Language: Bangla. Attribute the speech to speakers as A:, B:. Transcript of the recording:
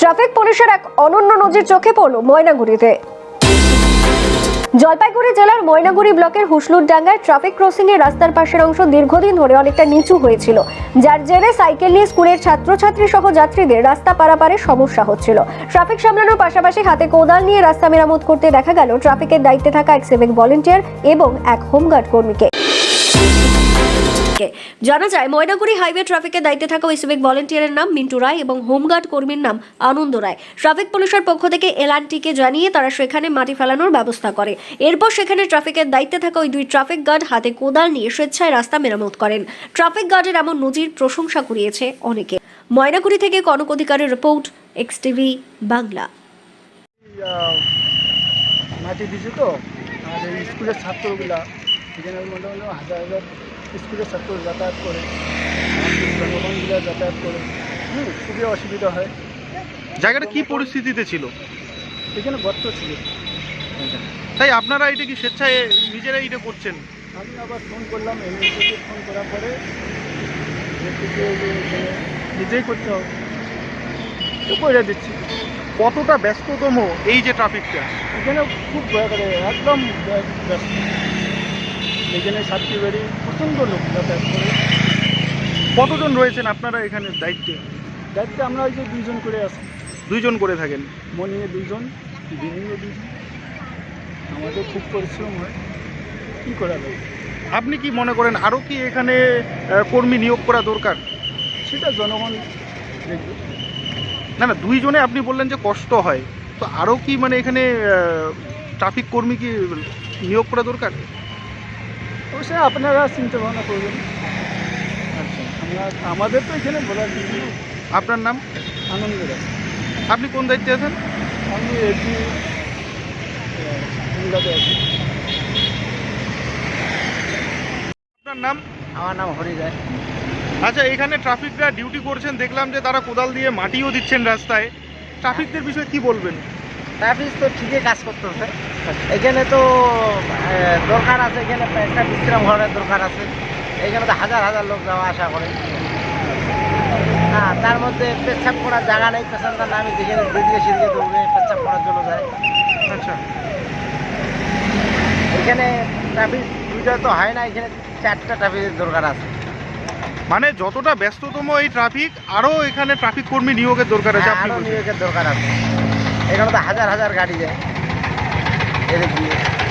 A: ট্রাফিক পুলিশের এক অনন্য নজির চোখে পড়ল ময়নাগুড়িতে। জলপাইগুড়ি জেলার ময়নাগুড়ি ব্লকের হুসলুরডাঙ্গায় ট্রাফিক ক্রসিং এর রাস্তার পাশের অংশ দীর্ঘদিন ধরে অনেকটা নিচু হয়েছিল, যার জেরে সাইকেল নিয়ে স্কুলের ছাত্রছাত্রী সহ যাত্রীদের রাস্তা পারাপারে সমস্যা হচ্ছিল। ট্রাফিক সামলানোর পাশাপাশি হাতে কোদাল নিয়ে রাস্তা মেরামত করতে দেখা গেল ট্রাফিকের দায়িত্বে থাকা এক সিভিক ভলেন্টিয়ার এবং এক হোমগার্ড কর্মীকে। জানা যায় ময়নাগুড়ি হাইওয়ে ট্রাফিকের দায়িত্বে থাকা ওই সিভিক ভলেন্টিয়ারের নাম মিন্টু রায় এবং হোমগার্ড কর্মীর নাম আনন্দ রায়। ট্রাফিক পুলিশের পক্ষ থেকে এলআরটিকে জানিয়ে তারা সেখানে মাটি ফেলানোর ব্যবস্থা করে। এরপর সেখানে ট্রাফিকের দায়িত্বে থাকা ওই দুই ট্রাফিক গার্ড হাতে কোদাল নিয়ে স্বেচ্ছায় রাস্তা মেরামত করেন। ট্রাফিক গার্ডের এমন নজির প্রশংসা কুড়িয়েছে অনেকে। ময়নাগুড়ি থেকে কনক অধিকারের রিপোর্ট, এক্সটিভি বাংলা।
B: মাটি দিছে তো আর এই স্কুলের ছাত্রগুলা এখানে মোটামুটি হাজার হাজার স্কুলের ছাত্র যাতায়াত করে, জনগণগুলো যাতায়াত করে, খুবই অসুবিধা হয়।
C: জায়গাটা কি পরিস্থিতিতে ছিল?
B: এখানে গর্ত ছিল।
C: তাই আপনারা এটা কি স্বেচ্ছায় নিজেরা এটা করছেন?
B: আমি আবার ফোন করলাম, এমনিতে ফোন করার পরে নিজেই করতে হবে, তো করে দিচ্ছি।
C: কতটা ব্যস্ততম এই যে ট্রাফিকটা?
B: এখানে খুব একদম ব্যস্ত। এখানে সাতটি বাড়ি প্রচণ্ড লোক যাতায়াত করে।
C: কতজন রয়েছেন আপনারা এখানে দায়িত্বে?
B: দায়িত্বে আমরা ওই যে দুইজন করে আছি।
C: দুইজন করে থাকেন?
B: মর্নিংয়ে দুইজন, ইভিনিংয়ে দুইজন। আমাদের খুব পরিশ্রম হয়, কী করা যায়।
C: আপনি কি মনে করেন আরও কি এখানে কর্মী নিয়োগ করা দরকার?
B: সেটা জনগণ দেখবে।
C: না না, দুইজনে আপনি বললেন যে কষ্ট হয়, তো আরও কি মানে এখানে ট্রাফিক কর্মী কি নিয়োগ করা দরকার?
B: অবশ্যই আপনারা চিন্তা ভাবনা করবেন। আচ্ছা, আমাদের তো এখানে বলার কিছু।
C: আপনার নাম?
B: আনন্দ রায়।
C: আপনি কোন দায়িত্বে আছেন?
B: আমি এটি আছি।
C: আপনার নাম?
B: আমার নাম হরি রায়।
C: আচ্ছা, এখানে ট্রাফিকরা ডিউটি করছেন, দেখলাম যে তারা কোদাল দিয়ে মাটিও দিচ্ছেন রাস্তায়। ট্রাফিকদের বিষয়ে কি বলবেন?
B: ট্রাফিক তো ঠিকই কাজ করতেছে। এখানে তো দরকার আছে, এখানে একটা বিশ্রাম ঘরের দরকার আছে। এখানে তো হাজার হাজার লোক যাওয়া আসা করে। হ্যাঁ, তার মধ্যে পেচ্ছাপ করার জায়গা নেই, পেছনটা নামে যেখানে দুদিকে সিদিকে দৌড়ে পেচ্ছাপ করার জন্য যায়।
C: আচ্ছা,
B: এখানে ট্রাফিক দুইটা তো হয় না, এখানে চারটা ট্রাফিকের দরকার আছে।
C: মানে যতটা ব্যস্ততম এই ট্রাফিক, আরও এখানে ট্রাফিক কর্মী নিয়োগের দরকার আছে। আপনি
B: আরও
C: বলছেন
B: নিয়োগের দরকার আছে। এখানে তো হাজার হাজার গাড়ি যায় এদিক দিয়ে।